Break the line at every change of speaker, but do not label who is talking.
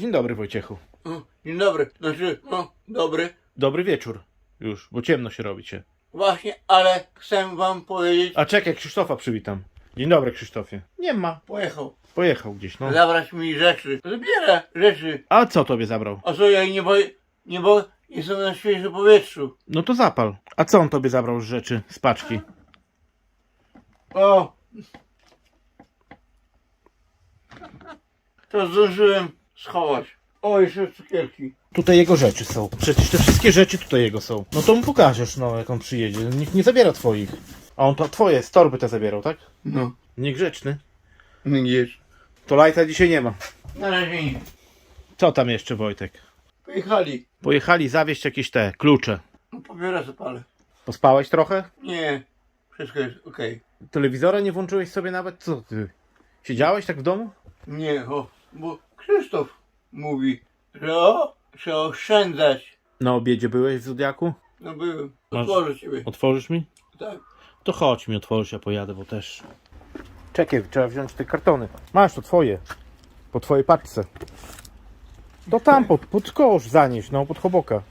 Dzień dobry, Wojciechu.
O, dzień dobry. Znaczy, no, dobry.
Dobry wieczór. Już, bo ciemno się robicie.
Właśnie, ale chcę wam powiedzieć,
A czekaj, Krzysztofa przywitam. Dzień dobry, Krzysztofie. Nie ma.
pojechał.
Pojechał gdzieś, no.
Zabrać mi rzeczy. Zabiera rzeczy.
A co tobie zabrał?
A co, ja nie boję, jestem na świeżym powietrzu.
No to zapal. A co on tobie zabrał z rzeczy, z paczki?
O! To zdążyłem schować. O, jeszcze cukierki.
Tutaj jego rzeczy są. Przecież te wszystkie rzeczy tutaj jego są. No to mu pokażesz, no, jak on przyjedzie. Nikt nie zabiera twoich. A on to twoje, z torby te zabierał, tak?
No,
Niegrzeczny.
gdzieś.
To lajta dzisiaj nie ma.
Na razie nie.
Co tam jeszcze, Wojtek?
Pojechali.
Pojechali zawieźć jakieś te klucze.
No, papierosa palę.
Pospałeś trochę?
Nie, wszystko jest okej.
Telewizora nie włączyłeś sobie nawet? Co ty? Siedziałeś tak w domu?
Nie, bo Krzysztof mówi, że trzeba oszczędzać.
Na obiedzie byłeś w Zodiaku?
No byłem.
Masz-
Otworzę ciebie.
Otworzysz mi?
Tak.
To chodź mi otworzysz, ja pojadę, bo też... Czekaj, trzeba wziąć te kartony. Masz, to twoje. Po twojej paczce. To tam, pod kosz zanieś, no, pod choboka.